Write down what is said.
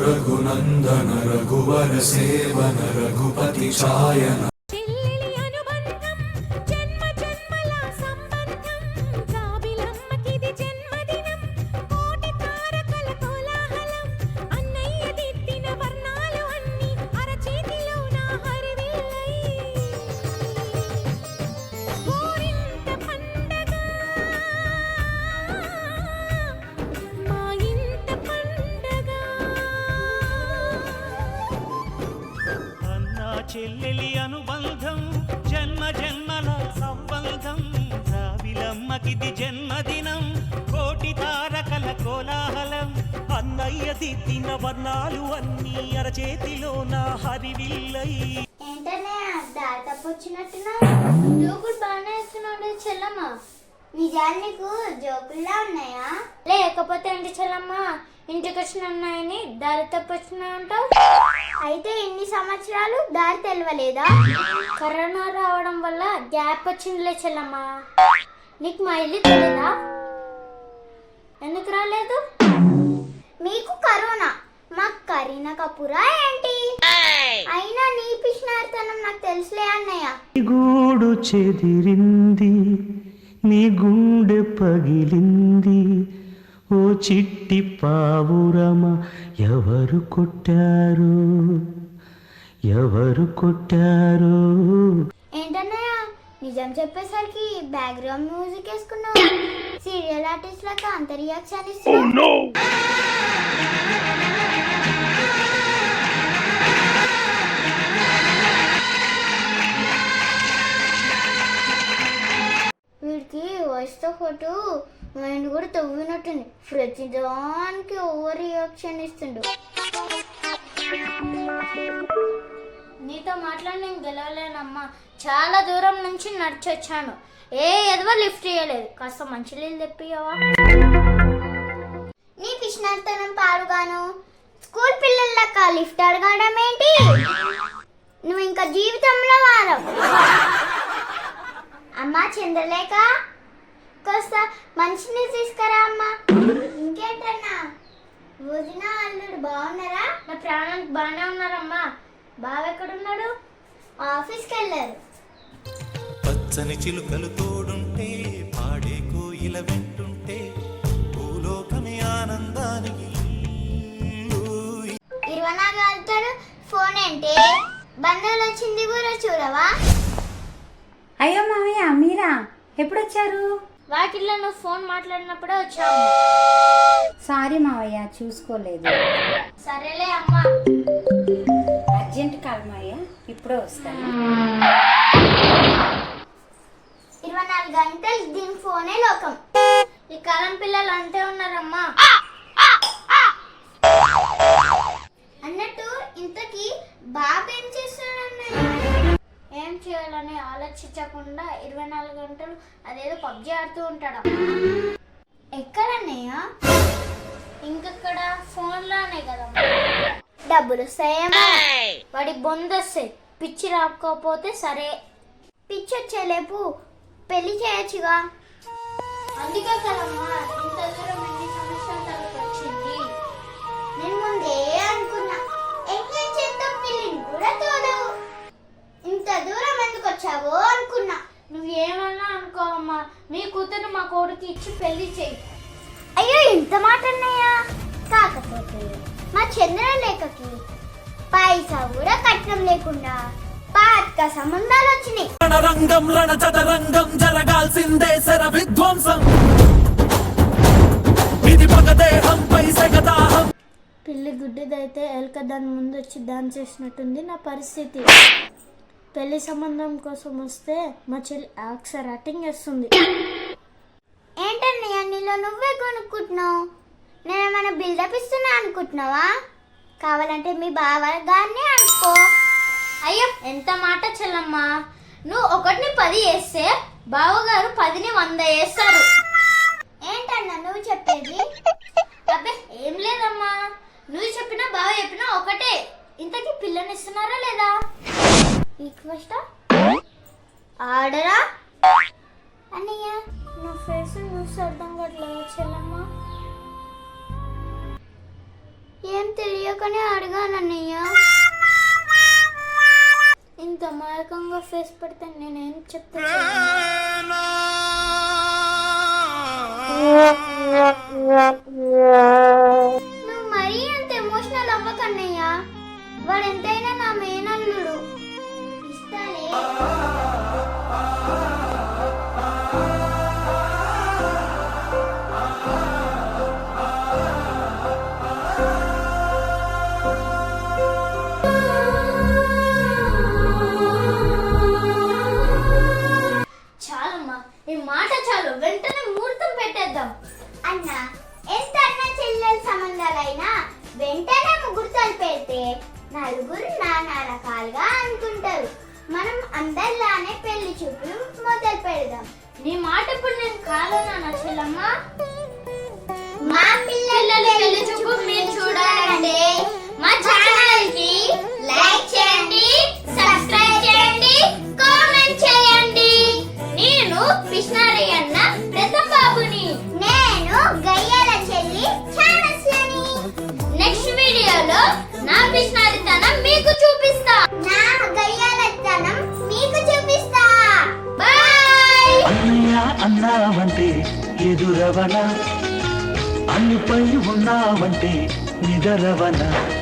रघुनंदन रघुवर सेवन रघुपति छायन చెల్లెలి అనుబంధం జన్మ జన్మల సంబంధం రావిలమ్మకిది జన్మదినం కోటి తారకల కోలాహలం అన్నయ్య దిద్దిన వర్ణాలు అన్నీ అరచేతిలో నా హరివిల్లై ఏంటనే దారి తప్పొచ్చినట్టున్నా జోకులు బాగానే వేస్తున్నాడు చెల్లమ్మ. నిజానికి జోకుల్లా ఉన్నాయా లేకపోతే ఏంటి చెల్లమ్మ ఇంటికి వచ్చిన అన్నాయని దారి తప్పొచ్చినా అంటావు? అయితే ఇన్ని సంవత్సరాలు దారి తెలియలేదా? కరోనా రావడం వల్ల గ్యాప్ వచ్చిందిలే చెల్లమ్మ. నీకు మా ఇల్లు తెలీదా? ఎందుకు రాలేదు? మీకు కరోనా మాకు కరీనా కపూరా ఏంటి? అయినా నీ పిచ్చినారితనం నాకు తెలుసులే అన్నయ్య. గూడు చెదిరింది నీ గుండె పగిలింది ఓ చిట్టి పావురమ ఎవరు కొట్టారు ఎవరు కొట్టారు? ఏంటన్నయ్య నిజం చెప్పేసరికి బ్యాక్గ్రౌండ్ మ్యూజిక్ వేసుకున్నావు. సీరియల్ ఆర్టిస్ట్ లాగా అంత రియాక్షన్ ఇస్తున్నావు. వీడికి వాయిస్తో పాటు మైండ్ కూడా తవ్వినట్టుంది. ప్రతి దానికి ఓవర్ రియాక్షన్ ఇస్తుండు. నీతో మాట్లాడి నేను గెలవలేనమ్మా. చాలా దూరం నుంచి నడిచొచ్చాను. ఎదవో లిఫ్ట్ చేయలేదు. కాస్త మంచి నీళ్ళు తెప్పియవా? నీ పిచ్చినతనం పాడుగాను. స్కూల్ పిల్లలక లిఫ్ట్ అడగడం ఏంటి? నువ్వు ఇంకా జీవితంలో వారం. అమ్మా చంద్రలేఖ కాస్త మంచినీళ్ళు తీసుకురా అమ్మా. ఇంకేంటన్నా వదిన అల్లుడు బాగున్నారా? నా ప్రాణానికి బాగానే ఉన్నారమ్మా. బావ ఎక్కడున్నాడు? ఆఫీస్కి వెళ్ళారు. పచ్చని చిలుకలు తోడుంటే పాడే కోయిల వెంటుంటే భూలోకమే ఆనందానికి 24 గంటలు ఫోన్ ఏంటి? బంధువులు వచ్చింది కూడా చూడవా? అయ్యో మామయ్య మీరా ఎప్పుడు వచ్చారు? వాకిట్లో నువ్వు ఫోన్ మాట్లాడినప్పుడే వచ్చావు. సారీ మావయ్య చూసుకోలేదు. సరేలే అమ్మా. అర్జెంట్ కాదు మావయ్య ఇప్పుడే వస్తాను. 24 గంటలు దీని ఫోనే లోకం. ఈ కాలం పిల్లలు అంతే ఉన్నారమ్మా. అన్నట్టు ఇంతకీ బాబు ఏం చేస్తున్నాడు? ఏం చేయాలని ఆలోచించకుండా 24 గంటలు అదేదో పబ్జి ఆడుతూ ఉంటాడు. ఎక్కడన్నయ్య? ఇంకెక్కడ? ఫోన్లోనే కదా. డబ్బులు వస్తాయేమో. వాడి బొందొస్తాయి. పిచ్చి రాకపోతే సరే. పిచ్చి వచ్చేలేపు పెళ్లి చేయొచ్చుగా. అందుకే కదమ్మా ఇంత దూరం ఎన్ని సమస్యలు తనకు వచ్చింది. నేను ముందే అనుకున్నా ఎంగేజ్ చేద్దాం పెళ్లిని కూడా తోదవు. ఇంత దూరం ఎందుకు వచ్చావో అనుకున్నా. నువ్వేమన్నా అనుకో అమ్మా. మీ కూతురు మా కొడుకు ఇచ్చి పెళ్లి చెయ్యి. అయ్యో ఇంత మాట అన్నయ్యా. కాకపోతే మా చంద్రలేఖకి పైసా కూడా కట్నం లేకుండా పాత సంబంధాలు వచ్చినాయి. రణరంగం రణచదరంగం జరగాల్సిందే శర విధ్వంసం ఇది పగదేహంపై సగదాహం. పిల్లి గుడ్డిదైతే ఎలక దాని ముందు వచ్చి డాన్స్ చేసినట్టుంది నా పరిస్థితి. పెళ్లి సంబంధం కోసం వస్తే మా చెల్లి యాక్సర్ యాక్టింగ్ చేస్తుంది. ఏంటన్నయ్య నీలో నువ్వే కొనుక్కుంటున్నావు? నేనేమైనా బిల్డప్ ఇస్తున్నా అనుకుంటున్నావా? కావాలంటే మీ బావ గారిని అనుకో. అయ్యో ఎంత మాట చెల్లమ్మా. నువ్వు 1ని 10 వేస్తే బావగారు 10ని 100 వేస్తారు. ఏంటన్నా నువ్వు చెప్పేది? అబ్బే ఏం లేదమ్మా. నువ్వు చెప్పినా బావ చెప్పినా ఒకటే. ఇంతకీ పిల్లని ఇస్తున్నారా లేదా? రిక్వెస్ట్ ఆర్డరా? అన్నయ్య నా ఫేస్ చూసి అర్థం కావట్లేదు చెల్లమ్మ. ఏం తెలియకనే అడిగానన్నయ్య. ఇంత మారకంగా ఫేస్ పెడితే నేనేం చెప్తా? నువ్వు మరీ అంత ఎమోషనల్ అవ్వకన్నయ్య. వాడు ఎంతైనా నా మేనల్లుడు. ఇస్తాలే. చాలమ్మా, ఈ మాట చాలు. వెంటనే ముహూర్తం పెట్టేద్దాం. అన్న, ఎంత అన్న చెల్లెల సంబంధాలైనా వెంటనే ముహూర్తాలు పెడితే నలుగురు నానా రకాలుగా అనుకుంటారు. మనం అందరిలానే పెళ్లి చూపులు మొదలు పెడదాం. నీ మాట ఇప్పుడు నేను కాదన్నా చెల్లమ్మ. మా పిల్లల పెళ్లి చూపు మీరు చూడాలంటే మా ఛానల్ కి లైక్ చేయండి, సబ్స్క్రైబ్ చేయండి, కామెంట్ చేయండి. నేను పిష్నారి అన్న పెద్ద బాబుని. నేను గయ్యాల చెల్లి ఛానస్లని. నెక్స్ట్ వీడియోలో నా పిష్నారితనం మీకు చూపిస్తా. నా గయ్యాలతనం మీకు చూపిస్తా. బాయ్. అన్నయ్య అన్నావంటే ఎదురవన, అన్నిపై ఉన్నావంటే నిదరవన.